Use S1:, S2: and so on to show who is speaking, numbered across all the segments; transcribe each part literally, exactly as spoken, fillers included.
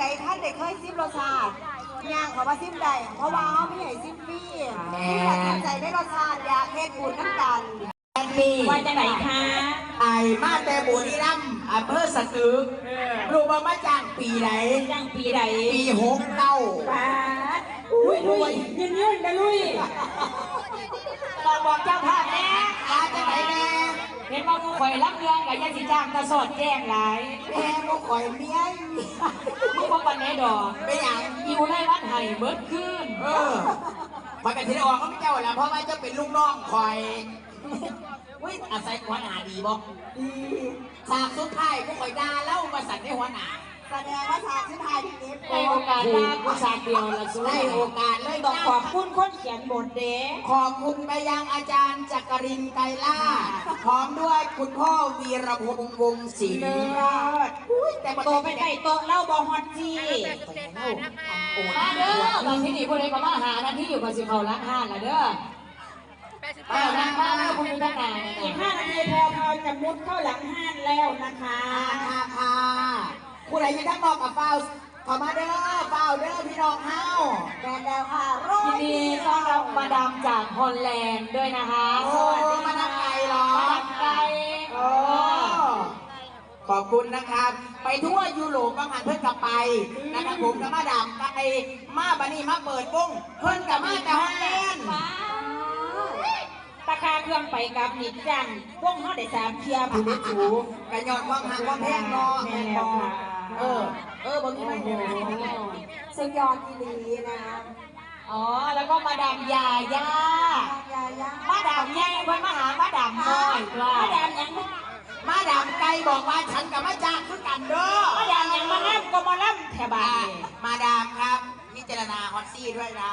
S1: ท่านเด็กเคยซิมรสชาติย่างเขามาซิมได้เพราะว่าเขาไม่ใหญ่ซิมพี่ที่ตัดสินใจได้รสชาติอยากเฮ็ดบุญน้ำกัน
S2: ปี
S3: ว่าจะไหนคะ
S2: ไอ้มาแต่บุรีรัมย์อำเภอสตึกรู้ว่ามาจ้างปีไหน
S3: จ้างปีไหน
S2: ปีหกเก้า
S3: ป้าลุยลุยยืนยืนนะลุย
S2: ตอนบอกเจ้าภาพแน่มาจะไหนแน่
S3: เห็นว่าผู้ข่อยรับเรื่องกับยันสิจ้างตะสอดแจ้งหลาย
S2: แม่ผู้ข่อยเมีย
S3: ผู้ว่าปันไหนดอก
S2: ไม่อยาก
S3: อิวไล่วัดไห่เบิดขึ้น
S2: เออพอกันทีออกเขาไม่เจ้าแล้วเพราะว่าจะเป็นลูกน้องข่อยวิอาศัยหัวหน้าดีบ่ดีฉากสุดท้ายผู้ข่อยด่าเล่ามาสั่นในหัวหน้า
S1: แสดงว่าฉากสุดท้ายที่นี้
S3: ในโอกาสด่าผู้ฉากเดียวละสุด
S2: ในโอกาสเลย
S3: ต้องขอบคุณคนเขียนบทเด้
S2: ขอบคุณไปยังอาจารย์จักรินทร์ไกรล่าพร้อมด้วยคุณพ่อวีรพงษ์วงศ์ศรี
S3: แต่โตไปได้โตเล่าบอฮอตจีมาเด้อบางที่นี่พวกนี้ก็มาหานาที่อยู่กับสิเขาล้างห้านละเด้อเออนั่งมาแล้วคุณดูด้านหน้าอีกห้านาทีแพรพรจะมุดเข้าหลังห้านแล้วนะคะ
S2: ค่ะค่ะผู้ใดยังทั้งนอกกับเฝ้าขอมาเด้อเฝ้าเด้อพี่น้องเฮา
S1: แดนดาวค่ะ
S3: ยินดีต้อนรับมาดามจากฮอลแลนด์ด้วยนะคะ
S2: สวัสดีมาดามไก่หรอ
S3: มาดามไก่
S2: โอ้ขอบคุณนะครับไปทั่วยุโรปบางหันเพิ่นกลับไปนะครับผมกับมาดามไก่มาบันนี้มาเปิดวงเพิ่นกับมาจากฮอลแลนด์
S3: ราคาเครื่องไปกับนิดจังพวกเขาได้สามเทียบผู้ได้จู
S2: กระยอนความหักความแพงเนาะ
S3: แม่แล้วค่ะ
S2: เออเออบางทีไม่โห
S1: สุดยอดอีหลีนะ
S3: อ๋อแล้วก็มาดามยาย่ามาดามย่าเพิ่นมาหามาดามน้อยว่ามาดามยัง
S2: มาดามไก่บอกว่าฉันกับมาจ้างคือกันเด้อ
S3: มาดามยังมาล่ำก็มาล่ำแถบาน
S2: มาดามครับพิจารณาฮอตซี่ด้วยนะ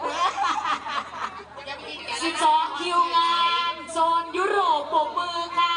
S3: สิบสองคิวงานโซนยุโรปปกมือค่ะ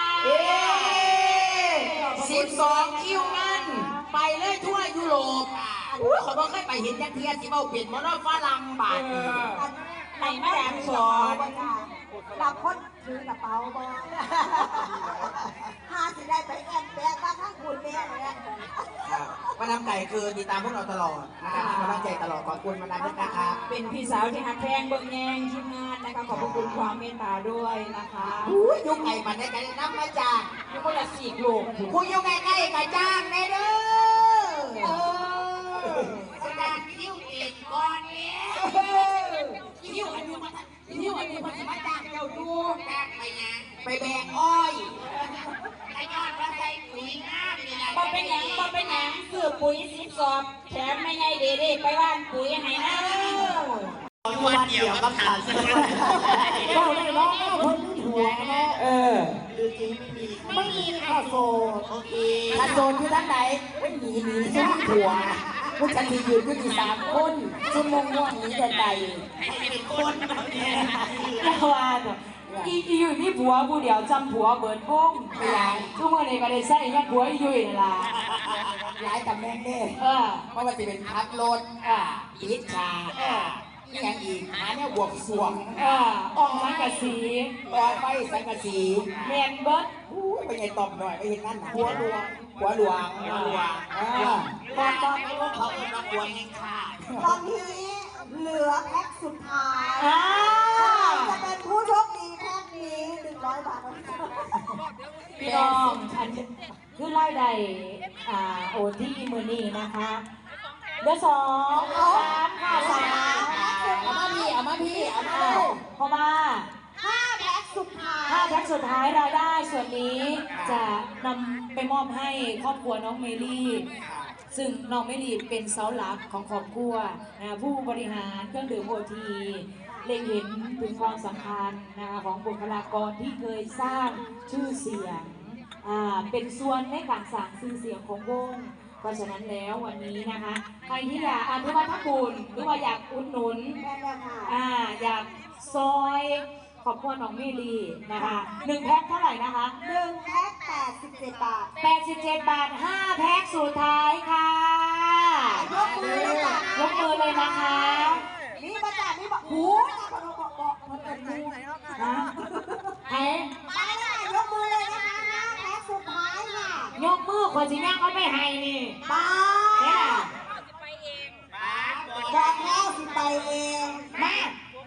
S2: สิบสองคิวงานไปเลยทั่วยุโรปเขาบอกให้ไปเห็นยักษ์เทียสิเบาเปลี่ยนมอเตอร์ฝรั่งบาท
S3: ไหนมาดามสอน
S1: เราคนถือกระเป๋าบอลหาสิได้ไปแอนแปะบ้างทั้งคุณแม่เลย
S2: มาดามไก่คือติดตามพวกเราตลอดนะครับมีกำลังใจตลอดขอบคุณมาดามด้วยนะครับ
S3: เป็นพี่สาวที่หักแพงเบิ่งแยงทีมงานนะคะขอบคุณความเมตตาด้วยนะคะ
S2: ยุคไก่ปันได้กันน้ำมาจาก
S3: ยุคคนละสี่โลก
S2: คุณยุคไก่ไก่กระจ้างในเด้อสถานคิวเอกก่อนเนี่ยคิวอันนี้มาคิวอันนี้มาจะมาจ้างเจ้าดูจ้างไปยังไปแบกอ้อยไอ้ยอดว่าใส่ปุ๋ยน้ำนี่แหละ
S3: มาเป็นหยังมาเป็นหยังคือปุ๋ยสิบสอบแถมไม่ไงเด็ดๆไปบ้านปุ๋ยให้นะ
S2: วันเดียวก็ขาดเลยก็เลยน้องคนที่หัวนะเออคือจริงไม่มีไม่มีข้าโซโอเคข้าโซคือท่านไหนไม่หนีหนีชุ่มหัวผู้ชันทียืนก็มีสามคนชุ่มม่วงม่วงนี้แต่ใดให้เป็นคนเนี่ย
S3: ละวานอีอยู่นี่ผัวผู้เดียวจำผัวเบิดวง
S2: ไม่ไร
S3: ทุกวันนี้ก็ได้ใส่ยัดผัวอยู่นี่ล่ะ
S2: ย้ายตำแหน่งเด้
S3: เออ
S2: เพราะว่าจะเป็นพัดรถ
S3: อ่า
S2: อิจฉานี่อย่างอีกหาเนี่ยบวกสวง
S3: อ่าออกสังกะสี
S2: ต่อไปสังกะสี
S3: เมนเบิร์ด
S2: ไปไงตอบหน่อยไปเห็นนั่นหัวหลวงหัวหลวงหัวหลวงตอนตอนนี้เขาเป็นนักหัวเองค่ะ
S1: ตอนนี้เหลือแพ็คสุดท้ายจะเป็นผู้โชคดีแพ็คนี้หนึ่งร้อยบาท
S3: พี่น้องอันคือไล่ใดอ่าโอที่มือนี้นะคะเบอร์สองสามค่ะสาม
S2: เอามาพี่เอามาพี่เอามา
S3: เพราะว่า
S1: ห้าแพ็คสุดท้าย
S3: ห้าแพ็คสุดท้ายรายได้ส่วนนี้จะนำไปมอบให้ครอบครัวน้องเมลี่ซึ่งน้องเมลี่เป็นเสาหลักของครอบครัวนะผู้บริหารเครื่องดื่มโอทีเล็งเห็นถึงความสำคัญนะคะของบุคลากรที่เคยสร้างชื่อเสียงเป็นส่วนในการสร้างชื่อเสียงของวงเพราะฉะนั้นแล้ววันนี้นะคะใครที่อยากอนุวัฒบุญหรือว่าอยากอุดหนุนอ่าอยากซอยขอบคุณน้องเมลี่นะคะหนึ่งแพ็คเท่าไหร่นะคะ
S1: หนึ่งแพ็คแปดสิบเจ็ดบาท
S3: แปดสิบเจ็ดบาทห้าแพ็คสุดท้ายค่ะ
S1: ยกมือเลยค่ะ
S3: ยกมือเลยนะคะ
S1: นี่มาจากนี่บอกหูคนบอกบอกคนเป็นหู
S3: นะเฮ้
S1: มาเลยยกมือเลยนะคะห้าแพ็คสุดท้ายค่ะ
S3: ยกมือคนสิย่างเขาไม่ให้นี่
S1: มา
S3: เนี่ย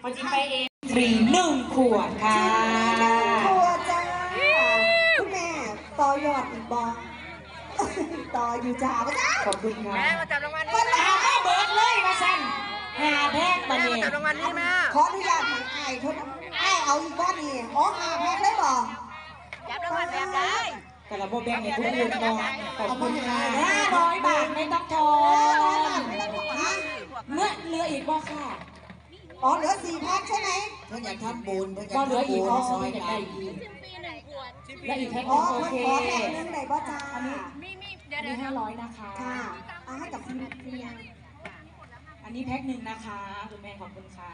S3: พอจิไปเองฟรีหนึ่งขวดค่ะ
S1: ครัวจ้าคุณแม่ต่อยอดอีกบอต่ออยู่จ้าปะจ้า
S3: ขอบคุณค่ะ
S4: แม่มาจับรางวัล
S1: ค
S4: นี้
S1: น
S4: แม่
S1: ละ
S3: เอาแม่เบิร์ดเลยมาสั่นหาแพกมา
S4: แม่
S3: เนี่
S4: มาย จับรางวัลนี้แม่
S1: ขออนุญาตทางไอ้ทุนไอ้เอาอีกบ้านนี่อ๋อหาแพ็คได้บ่
S4: จับรางวัลแบบได้
S3: แต่ละโบแบงให้ทุกคนมองขอบคุณค่ะ
S1: ห้า
S3: ห้า
S1: ร้
S3: ร้
S1: อ
S3: อย ย
S1: บา
S3: บา
S1: ท
S3: ทไม่ต้องทอ
S1: ห้าร้อยบาท
S3: น
S1: ไม่ต้องฮะ
S3: เมื่อเหลืออีกบ่ค่ะ
S1: อ๋อเหลือสี่แพ็คใช่ไหม
S2: เพื่อนอยากทำบุญเพื่อนอยา
S3: ก็
S2: ก
S3: เหลือ
S2: ทำ
S3: อี
S2: บุ
S3: ก
S2: ญ
S3: อ๋อ
S2: ซอย
S3: อยาก
S2: กั
S3: ได้
S2: น
S3: อีกและอีกแพ็คห
S1: อ๋อ
S3: นึงโอ
S1: เพิ่น
S3: เค
S1: ขอแพ็คนึงได้บ่จ้า
S3: อันนี้ห้าร้อยนะคะ
S1: ค่ะเอาให้กับคุณเพียง
S3: อันนี้แพ็คหนึ่งนะคะคุณแม่ขอบคุณค่ะ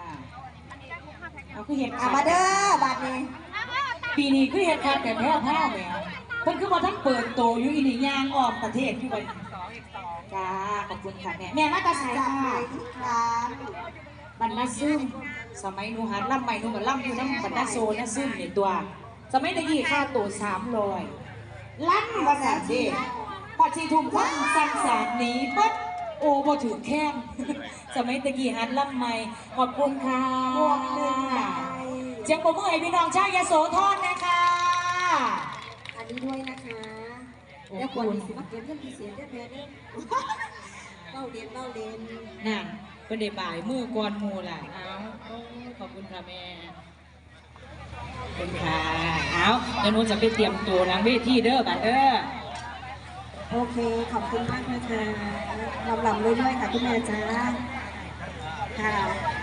S3: เอาคือเห็ด
S1: อ่ะมาเด้อบาทนี้
S3: ปีนี้คือเห็ดค่ะแต่แพ้ผ้าแหมเพิ่นคือมาทั้งเปิดโตอยู่อีนี่ย่างออกประเทศอยู่วันจ้าขอบคุณค่ะแม่แม่มาตาใส่
S1: จับ
S3: ค่ะ
S1: ไปอีกครั้ง
S3: บรรณาซึมสมัยหนูหัดล่ำใหม่หนูก็ล่ำอยู่น้ำบรรณาโซนะซึมในตัว สมัยตะกี้ค่าตัวสามร้อยลั่นภาษาเด็กพอชีทุ่มควันสั่งสารหนีปั๊บโอ้พอถึงแค้ม สมัยตะกี้หัดล่ำใหม่ขอบคุณค่ะ
S1: บวกหนึ่งใบ
S3: เจียงปรบมือให้พี่น้องชาวยโสธรนะคะ
S1: อันนี้ด้วยนะคะแล้วควรมีสิบเก็บเงินพิเศษได้แม่เด้อเล่าเรียนเล่าเรียน
S3: นั่นเป็นเดบ่ายมือกวนหมูล่ะเอาโอ้ขอบคุณค่ะแม่ขอบคุณค่ะเอาเดี๋ยวหนูจะไปเตรียมตัวหลังเวทีเด้อบัดเด้อ
S1: โอเค ขอบคุณมากนะคะลำลำเรื่อยๆค่ะคุณแม่จ้าค่ะ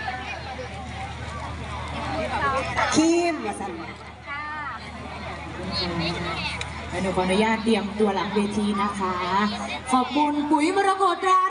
S1: คิมมาสั่น
S3: แล้วหนูขออนุญาตเตรียมตัวหลังเวทีนะคะ ขอบคุณปุ๋ยมรกตรา